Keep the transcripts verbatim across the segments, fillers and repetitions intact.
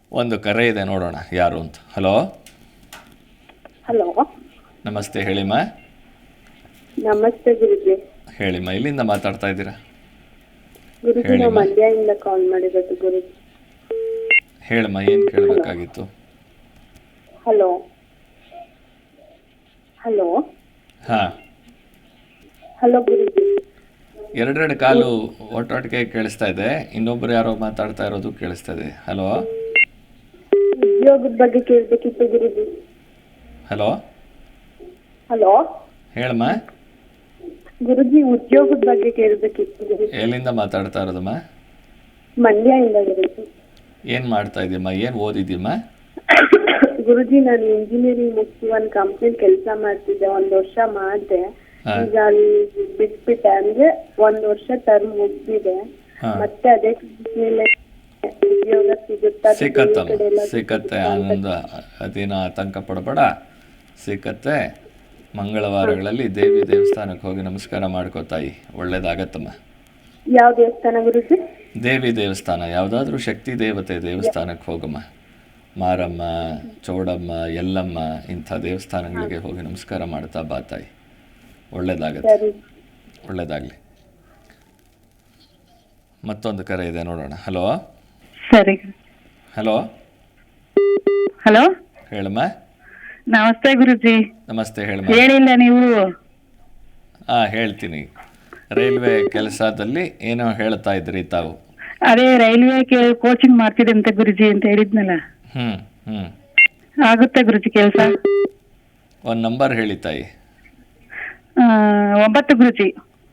ಒಂದು ಕರೆ ಇದೆ, ನೋಡೋಣ ಯಾರು ಅಂತ. ಹಲೋ ಹಲೋ, ನಮಸ್ತೆ, ಹೇಳಿಮ್ಮ. ನಮಸ್ತೆ ಗುರುಜಿ. ಹೇಳಿಮ್ಮ, ಇಲ್ಲಿಂದ ಮಾತಾಡ್ತಾ ಇದ್ದೀರಾ? ಗುರುಜಿ, ನಾವು ಹೇಳಿಮ್ಮ. ಮಂಡ್ಯದಿಂದ ಕಾಲ್ ಮಾಡಿರೋದು ಗುರುಜಿ. ಹೇಳಮ್ಮ, ಏನು ಕೇಳಬೇಕಾಗಿತ್ತು? ಹಲೋ ಹಲೋ ಹಾಂ, ಹಲೋ ಗುರುಜಿ. ಎರಡೆರಡು ಕಾಲು ಒಟ್ಟೊಟ್ಟಿಗೆ ಕೇಳಿಸ್ತಾ ಇದೆ. ಇನ್ನೊಬ್ರು ಯಾರೋ ಮಾತಾಡ್ತಾ ಇರೋದು ಕೇಳಿಸ್ತಾ ಇದೆ. ಹಲೋ ಉದ್ಯೋಗದ ಬಗ್ಗೆ ಕೇಳಬೇಕಿತ್ತು ಗುರುಜಿ. ಹಲೋ ಹಲೋ ಹೇಳಮ್ಮ. ಗುರುಜಿ, ಉದ್ಯೋಗದ ಬಗ್ಗೆ ಕೇಳಬೇಕಿತ್ತು ಗುರುಜಿ. ಎಲ್ಲಿಂದ ಮಾತಾಡ್ತಾ ಇರೋದಮ್ಮ? ಮಂಡ್ಯದಿಂದ ಗುರುಜಿ. ಏನು ಮಾಡ್ತಾ ಇದೀಯಮ್ಮ? ಏನು ಓದಿದ್ದೀಮ್ಮ? ಗುರುಜಿ, ನಾನು ಇಂಜಿನಿಯರಿಂಗ್ ಮುಗಿಸಿ ಒಂದು ಕಂಪ್ನಿ ಕೆಲಸ ಮಾಡ್ತಿದ್ದೆ. ಒಂದ್ ವರ್ಷ ಮಾಡಿದೆ. ಹಾ. ಈಗ ಅಲ್ಲಿ ಬಿಟ್ಬಿಟ್ಟೆ. ಅಂದ್ರೆ ಒಂದ್ ವರ್ಷ ಟರ್ಮ್ ಮುಗ್ದಿದೆ. ಹಾ. ಮತ್ತೆ ಅದೇ ಮೇಲೆ ಉದ್ಯೋಗ ಸಿಗುತ್ತಾ? ಸಿಕ್ಕತ್ತಮ್ಮ, ಸಿಕ್ಕತ್ತೆ. ಆನಂದ, ಅದೇನೋ ಆತಂಕ ಪಡಬೇಡ, ಸಿಕ್ಕತ್ತೆ. ಮಂಗಳವಾರಗಳಲ್ಲಿ ದೇವಿ ದೇವಸ್ಥಾನಕ್ಕೆ ಹೋಗಿ ನಮಸ್ಕಾರ ಮಾಡ್ಕೋತಾಯಿ, ಒಳ್ಳೇದಾಗತ್ತಮ್ಮ. ಯಾವ ದೇವಸ್ಥಾನ ಗುರುಜಿ? ದೇವಿ ದೇವಸ್ಥಾನ, ಯಾವುದಾದ್ರೂ ಶಕ್ತಿ ದೇವತೆ ದೇವಸ್ಥಾನಕ್ಕೆ ಹೋಗಮ್ಮ. ಮಾರಮ್ಮ, ಚೌಡಮ್ಮ, ಎಲ್ಲಮ್ಮ, ಇಂಥ ದೇವಸ್ಥಾನಗಳಿಗೆ ಹೋಗಿ ನಮಸ್ಕಾರ ಮಾಡ್ತಾ ಬಾ ತಾಯಿ, ಒಳ್ಳೇದಾಗತ್ತೆ. ಸರಿ. ಒಳ್ಳೇದಾಗಲಿ. ಮತ್ತೊಂದು ಕರೆ ಇದೆ, ನೋಡೋಣ. ಹಲೋ ಸರಿ. ಹಲೋ ಹಲೋ, ಹೇಳಮ್ಮ. ನಮಸ್ತೆ ಗುರುಜಿ. ನಮಸ್ತೆ, ಹೇಳಮ್ಮ. ಹೇಳಿಲ್ಲ ನೀವು? ಹಾಂ, ಹೇಳ್ತೀನಿ. ರೈಲ್ವೆ ಕೆಲಸದಲ್ಲಿ ಏನೋ ಹೇಳ್ತಾ ಇದ್ರಿ ತಾವು. ಅದೇ ರೈಲ್ವೆ ಕೋಚಿಂಗ್ ಮಾಡ್ತಿದೆ ಅಂತ ಗುರುಜಿ ಅಂತ ಹೇಳಿದ್ನಲ್ಲ, ಹ್ಞೂ ಹ್ಞೂ ಆಗುತ್ತೆ ಗುರುಜಿ ಕೆಲಸ? ಒಂದು ನಂಬರ್ ಹೇಳಿ ತಾಯಿ. ಒಂಬತ್ತು ಗುರುಜಿ.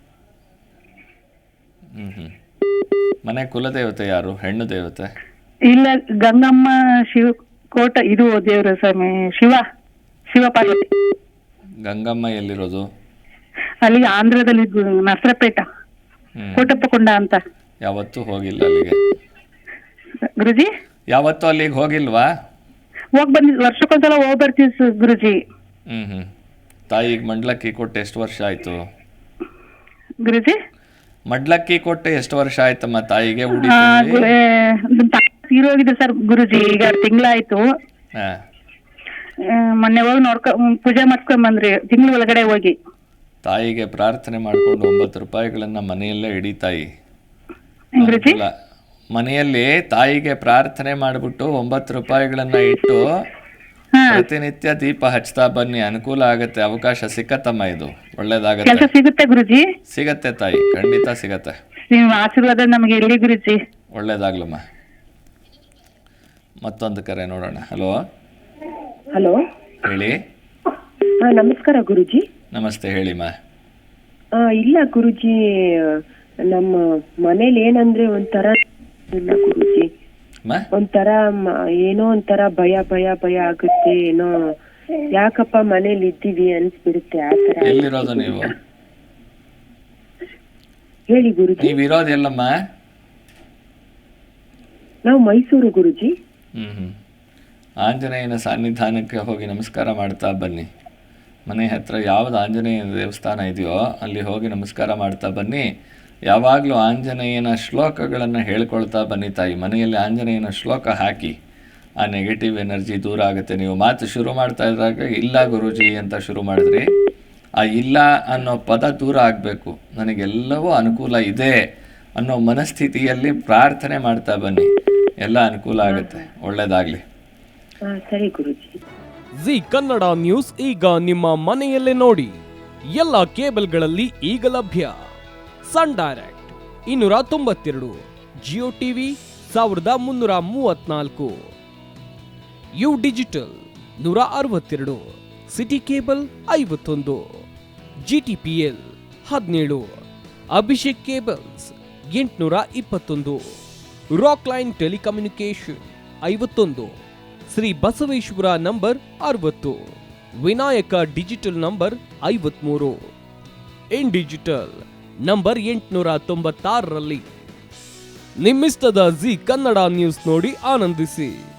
ಹ್ಞೂ ಹ್ಞೂ ಮನೆ ಕುಲದೇವತೆ ಯಾರು? ಹೆಣ್ಣು ದೇವತೆ? ಇಲ್ಲ, ಗಂಗಮ್ಮ ಶಿವ ಕೋಟ, ಇದು ದೇವರ ಸ್ವಾಮಿ ಶಿವ ಶಿವ ಪಾರ್ವತಿ. ಗಂಗಮ್ಮ ಎಲ್ಲಿರೋದು? ಅಲ್ಲಿ ಆಂಧ್ರದಲ್ಲಿ ಗು- ನರಸರಪೇಟ, ಹ್ಞೂ ಕೋಟಪ್ಪಕೊಂಡ ಅಂತ. ಯಾವತ್ತೂ ಹೋಗಿಲ್ಲ ಅಲ್ಲಿಗೆ? ಗುರುಜಿ, ಯಾವತ್ತೂ ಅಲ್ಲಿಗೆ ಹೋಗಿಲ್ವಾ? ಹೋಗ್ ಬಂದಿ, ವರ್ಷಕ್ಕೊಂದ್ಸಲ ಹೋಗ್ ಬರ್ತೀವಿ ಸ- ಗುರುಜಿ. ಹ್ಞೂ ಹ್ಞೂ ತಾಯಿಗೆ ಮಂಡ್ಲಕ್ಕಿ ಕೊಟ್ಟು ಎಷ್ಟು ವರ್ಷ ಆಯಿತು? ಗುರುಜಿ, ಮಡ್ಲಕ್ಕಿ ಕೊಟ್ಟು ಎಷ್ಟು ವರ್ಷ ಆಯ್ತಮ್ಮ ತಾಯಿಗೆ? ಉಡಿ ಆ, ತುಂಬಿ? ಗು- ಏ, ನಮ್ ತಾಯಿ ತೀರೋಗಿದೆ ಸರ್ ಗುರುಜಿ. ಈಗ ತಿಂಗಳಾಯ್ತು. ಹಾಂ, ಮೊನ್ನೆ ಹೋಗಿ ನೋಡ್ಕೊ ಪೂಜೆ ಮಾಡ್ಕೊಂಡ್ ಬಂದ್ರಿ, ತಿಂಗಳ ಒಳಗಡೆ ಹೋಗಿ. ತಾಯಿಗೆ ಪ್ರಾರ್ಥನೆ ಮಾಡಿಕೊಂಡು ಒಂಬತ್ತು ರೂಪಾಯಿಗಳನ್ನು ಮನೆಯಲ್ಲೇ ಇಡಿ ತಾಯಿ. ಗುರುಜಿ, ಅನುಕೂಲ. ಮನೆಯಲ್ಲಿ ತಾಯಿಗೆ ಪ್ರಾರ್ಥನೆ ಮಾಡಿಬಿಟ್ಟು ಒಂಬತ್ತು ರೂಪಾಯಿಗಳನ್ನ ಇಟ್ಟು ಹಾ, ಪ್ರತಿನಿತ್ಯ ದೀಪ ಹಚ್ತಾ ಬನ್ನಿ, ಅನುಕೂಲ ಆಗತ್ತೆ. ಅವಕಾಶ ಸಿಕ್ಕತ್ತಮ್ಮ, ಇದು ಕೆಲಸ ಒಳ್ಳೇದಾಗತ್ತೆ. ಸಿಗುತ್ತೆ ಗುರುಜಿ. ಸಿಗತ್ತೆ ತಾಯಿ, ಖಂಡಿತ ಸಿಗತ್ತೆ. ನೀವು ಆಶೀರ್ವಾದ ನಮಗೆ ಇರ್ಲಿ ಗುರುಜಿ. ಒಳ್ಳೇದಾಗ್ಲಮ್ಮ. ಮತ್ತೊಂದು ಕರೆ ನೋಡೋಣ. ಹಲೋ ಹಲೋ, ಹೇಳಿ. ಹಾ ನಮಸ್ಕಾರ ಗುರುಜಿ. ನಮಸ್ತೆ, ಹೇಳಿಮ್ಮ. ಆ, ಇಲ್ಲ ಗುರುಜಿ, ನಮ್ಮ ಮನೇಲಿ ಏನಂದ್ರೆ ಒಂಥರ ಇಲ್ಲ ಗುರುಜಿ, ಅಮ್ಮ, ಒಂಥರ ಮ- ಏನೋ ಒಂಥರ ಭಯ ಭಯ ಭಯ ಆಗುತ್ತೆ. ಏನೋ ಯಾಕಪ್ಪ ಮನೇಲಿ ಇದ್ದೀವಿ ಅನ್ಸ್ಬಿಡುತ್ತೆ ಆತರ. ಎಲ್ಲಿರೋದು ನೀವು? ಹೇಳಿ ಗುರುಜಿ. ನೀವಿರೋದು ಎಲ್ಲಮ್ಮ? ನಾವು ಮೈಸೂರು ಗುರುಜಿ. ಹ್ಞೂ ಹ್ಞೂ ಆಂಜನೇಯನ ಸನ್ನಿಧಾನಕ್ಕೆ ಹೋಗಿ ನಮಸ್ಕಾರ ಮಾಡ್ತಾ ಬನ್ನಿ. ಮನೆ ಹತ್ರ ಯಾವುದು ಆಂಜನೇಯ ದೇವಸ್ಥಾನ ಇದೆಯೋ ಅಲ್ಲಿ ಹೋಗಿ ನಮಸ್ಕಾರ ಮಾಡ್ತಾ ಬನ್ನಿ. ಯಾವಾಗಲೂ ಆಂಜನೇಯನ ಶ್ಲೋಕಗಳನ್ನು ಹೇಳ್ಕೊಳ್ತಾ ಬನ್ನಿ ತಾಯಿ. ಮನೆಯಲ್ಲಿ ಆಂಜನೇಯನ ಶ್ಲೋಕ ಹಾಕಿ, ಆ ನೆಗೆಟಿವ್ ಎನರ್ಜಿ ದೂರ ಆಗುತ್ತೆ. ನೀವು ಮಾತು ಶುರು ಮಾಡ್ತಾ ಇದ್ದಾಗ ಇಲ್ಲ ಗುರೂಜಿ ಅಂತ ಶುರು ಮಾಡಿದ್ರಿ. ಆ ಇಲ್ಲ ಅನ್ನೋ ಪದ ದೂರ ಆಗಬೇಕು. ನನಗೆಲ್ಲವೂ ಅನುಕೂಲ ಇದೆ ಅನ್ನೋ ಮನಸ್ಥಿತಿಯಲ್ಲಿ ಪ್ರಾರ್ಥನೆ ಮಾಡ್ತಾ ಬನ್ನಿ, ಎಲ್ಲ ಅನುಕೂಲ ಆಗುತ್ತೆ. ಒಳ್ಳೆಯದಾಗಲಿ. ಹಾ ಸರಿ ಗುರುಜಿ. ಜಿ ಕನ್ನಡ ನ್ಯೂಸ್ ಈಗ ನಿಮ್ಮ ಮನೆಯಲ್ಲೇ ನೋಡಿ. ಎಲ್ಲ ಕೇಬಲ್ಗಳಲ್ಲಿ ಈಗ ಲಭ್ಯ. ಸನ್ ಡೈರೆಕ್ಟ್ ಇನ್ನೂರ ತೊಂಬತ್ತೆರಡು, ಜಿಯೋ ಟಿವಿ ಸಾವಿರದ ಮುನ್ನೂರ ಮೂವತ್ನಾಲ್ಕು, ಯು ಡಿಜಿಟಲ್ ನೂರ ಅರವತ್ತೆರಡು, ಸಿಟಿ ಕೇಬಲ್ ಐವತ್ತೊಂದು, ಜಿಟಿಪಿಎಲ್ ಹದಿನೇಳು, ಅಭಿಷೇಕ್ ಕೇಬಲ್ಸ್ ಎಂಟುನೂರ ಇಪ್ಪತ್ತೊಂದು, ರಾಕ್ ಲೈನ್ ಟೆಲಿಕಮ್ಯುನಿಕೇಶನ್ ಐವತ್ತೊಂದು, ಶ್ರೀ ಬಸವೇಶ್ವರ ನಂಬರ್ ಅರವತ್ತು, ವಿನಾಯಕ ಡಿಜಿಟಲ್ ನಂಬರ್ ಐವತ್ಮೂರು, ಇನ್ ಡಿಜಿಟಲ್ ನಂಬರ್ ಎಂಟುನೂರ ತೊಂಬತ್ತಾರರಲ್ಲಿ. ನಿಮ್ಮಿಸ್ತದ ಜಿ ಕನ್ನಡ ನ್ಯೂಸ್ ನೋಡಿ ಆನಂದಿಸಿ.